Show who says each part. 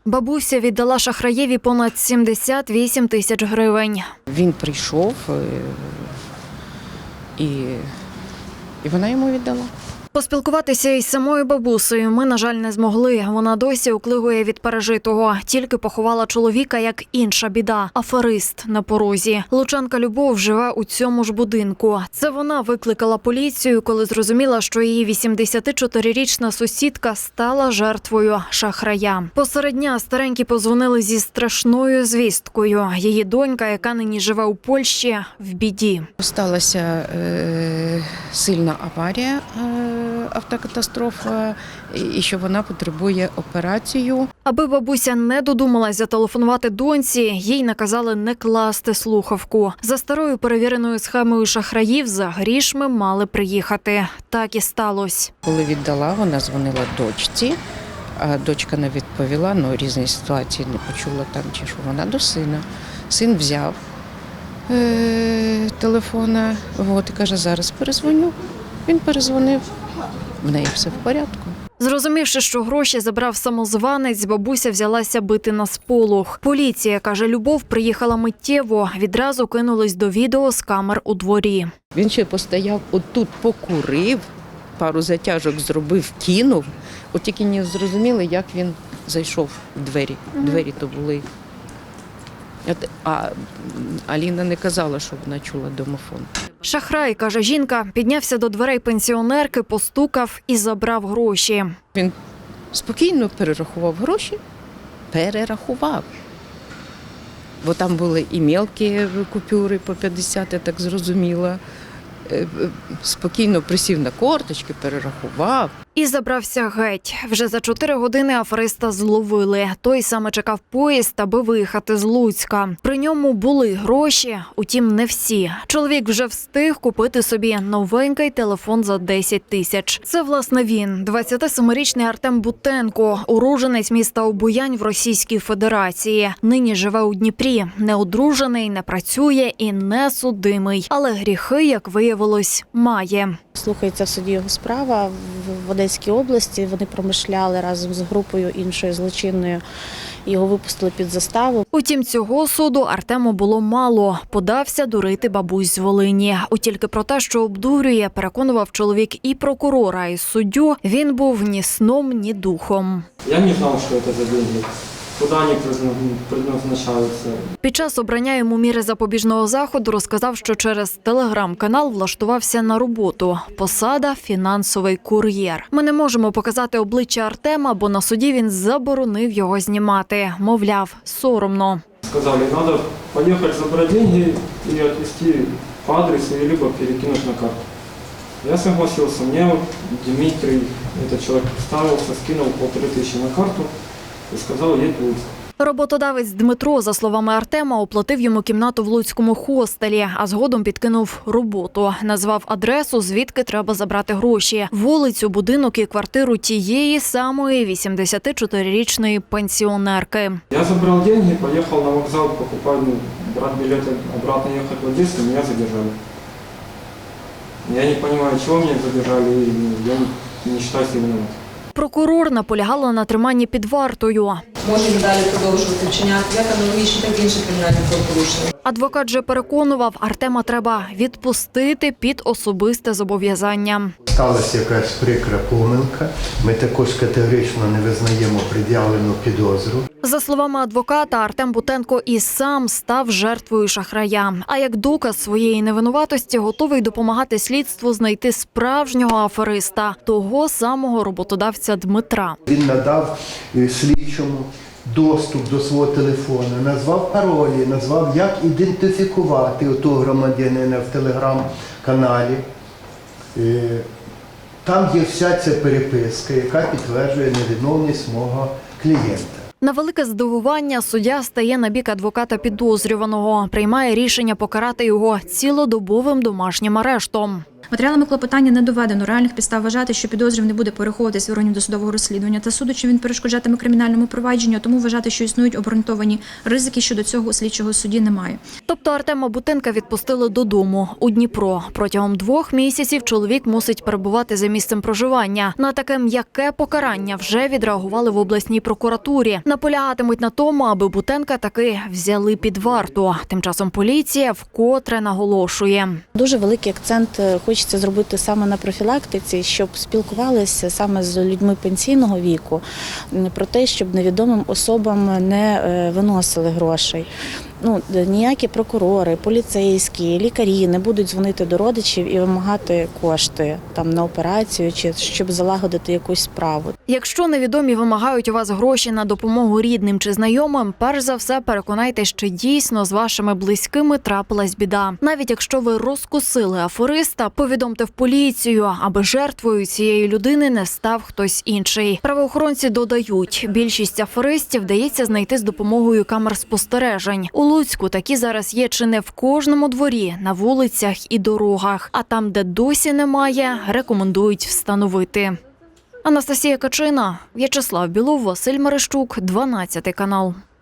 Speaker 1: Бабуся віддала шахраєві понад 78 тисяч гривень.
Speaker 2: Він прийшов і вона йому віддала.
Speaker 1: Поспілкуватися із самою бабусею ми, на жаль, не змогли. Вона досі уклигує від пережитого. Тільки поховала чоловіка, як інша біда – аферист на порозі. Лучанка Любов живе у цьому ж будинку. Це вона викликала поліцію, коли зрозуміла, що її 84-річна сусідка стала жертвою шахрая. Посеред дня старенькі подзвонили зі страшною звісткою. Її донька, яка нині живе у Польщі, в біді.
Speaker 2: Сталася сильна аварія, автокатастрофа, і що вона потребує операцію.
Speaker 1: Аби бабуся не додумалась зателефонувати доньці, їй наказали не класти слухавку. За старою перевіреною схемою шахраїв за грішми мали приїхати. Так і сталося.
Speaker 2: Коли віддала, вона дзвонила дочці, а дочка не відповіла, різні ситуації не почула там, чи що вона до сина. Син взяв телефона, і каже, зараз перезвоню. Він перезвонив, в неї все в порядку.
Speaker 1: Зрозумівши, що гроші забрав самозванець, бабуся взялася бити на сполох. Поліція, каже Любов, приїхала миттєво, відразу кинулись до відео з камер у дворі.
Speaker 2: Він ще постояв, отут покурив, пару затяжок зробив, кинув. От тільки не зрозуміли, як він зайшов в двері. Двері то були. А Аліна не казала, що вона чула домофон.
Speaker 1: Шахрай, каже жінка, піднявся до дверей пенсіонерки, постукав і забрав гроші.
Speaker 2: Він спокійно перерахував гроші, перерахував. Бо там були і мелкі купюри по 50, я так зрозуміла. Спокійно присів на корточки, перерахував.
Speaker 1: І забрався геть. Вже за 4 години афериста зловили. Той саме чекав поїзд, аби виїхати з Луцька. При ньому були гроші, утім не всі. Чоловік вже встиг купити собі новенький телефон за 10 тисяч. Це, власне, він. 27-річний Артем Бутенко, уродженець міста Обоянь в Російській Федерації. Нині живе у Дніпрі. Не одружений, не працює і не судимий. Але гріхи, як виявилось, має.
Speaker 3: Слухається в суді його справа в Одеській області. Вони промишляли разом з групою іншою злочинною. Його випустили під заставу.
Speaker 1: Утім, цього суду Артему було мало. Подався дурити бабусь з Волині. Тільки про те, що обдурює, переконував чоловік і прокурора, і суддю, він був ні сном, ні духом.
Speaker 4: Я не знав, що це за деньги. Куди вони призначаються.
Speaker 1: Під час обрання йому міри запобіжного заходу розказав, що через телеграм-канал влаштувався на роботу. Посада – фінансовий кур'єр. Ми не можемо показати обличчя Артема, бо на суді він заборонив його знімати. Мовляв, соромно.
Speaker 4: Сказали, треба поїхати забрати гроші і відвезти по адресу, або перекинути на карту. Я согласился. Мне Дмитрий, этот человек, представился, скинул 1500 на карту і сказав, їдь в Луцьк.
Speaker 1: Роботодавець Дмитро, за словами Артема, оплатив йому кімнату в луцькому хостелі, а згодом підкинув роботу. Назвав адресу, звідки треба забрати гроші. Вулицю, будинок і квартиру тієї самої 84-річної пенсіонерки.
Speaker 4: Я забрал деньги, поехал на вокзал покупать, брать билеты, обратно ехать в Одессу, меня задержали. Я не понимаю, чего меня задержали, и я не считаю себя виноватым.
Speaker 1: Прокурор наполягала на триманні під вартою.
Speaker 5: Можемо далі продовжувати вчиняти як аналогічні, так і інші кримінальні правопорушення.
Speaker 1: Адвокат же переконував, Артема треба відпустити під особисте зобов'язання.
Speaker 6: Сталася якась прикра помилка. Ми також категорично не визнаємо пред'явлену підозру.
Speaker 1: За словами адвоката, Артем Бутенко і сам став жертвою шахрая. А як доказ своєї невинуватості готовий допомагати слідству знайти справжнього афериста, того самого роботодавця Дмитра.
Speaker 6: Він надав слідчому доступ до свого телефону, назвав паролі, назвав, як ідентифікувати того громадянина в телеграм-каналі. Там є вся ця переписка, яка підтверджує невиновність мого клієнта.
Speaker 1: На велике здивування суддя стає на бік адвоката підозрюваного, приймає рішення покарати його цілодобовим домашнім арештом.
Speaker 7: Матеріалами клопотання не доведено реальних підстав вважати, що підозрюваний буде переховуватись в органів досудового розслідування та суду, чи він перешкоджатиме кримінальному провадженню, тому вважати, що існують обґрунтовані ризики щодо цього у слідчого судді немає.
Speaker 1: Тобто Артема Бутенка відпустили додому у Дніпро. Протягом 2 місяців чоловік мусить перебувати за місцем проживання. На таке м'яке покарання вже відреагували в обласній прокуратурі. Наполягатимуть на тому, аби Бутенка таки взяли під варту. Тим часом поліція вкотре наголошує.
Speaker 3: Дуже великий акцент хочеться зробити саме на профілактиці, щоб спілкувалися саме з людьми пенсійного віку про те, щоб невідомим особам не виносили грошей. Ніякі прокурори, поліцейські, лікарі не будуть дзвонити до родичів і вимагати кошти там на операцію чи щоб залагодити якусь справу.
Speaker 1: Якщо невідомі вимагають у вас гроші на допомогу рідним чи знайомим, перш за все переконайтесь, що дійсно з вашими близькими трапилась біда. Навіть якщо ви розкусили афериста, повідомте в поліцію, аби жертвою цієї людини не став хтось інший. Правоохоронці додають, більшість аферистів вдається знайти з допомогою камер спостережень. У Луцьку такі зараз є чи не в кожному дворі, на вулицях і дорогах. А там, де досі немає, рекомендують встановити. Анастасія Качина, В'ячеслав Білов, Василь Мерещук, 12 канал.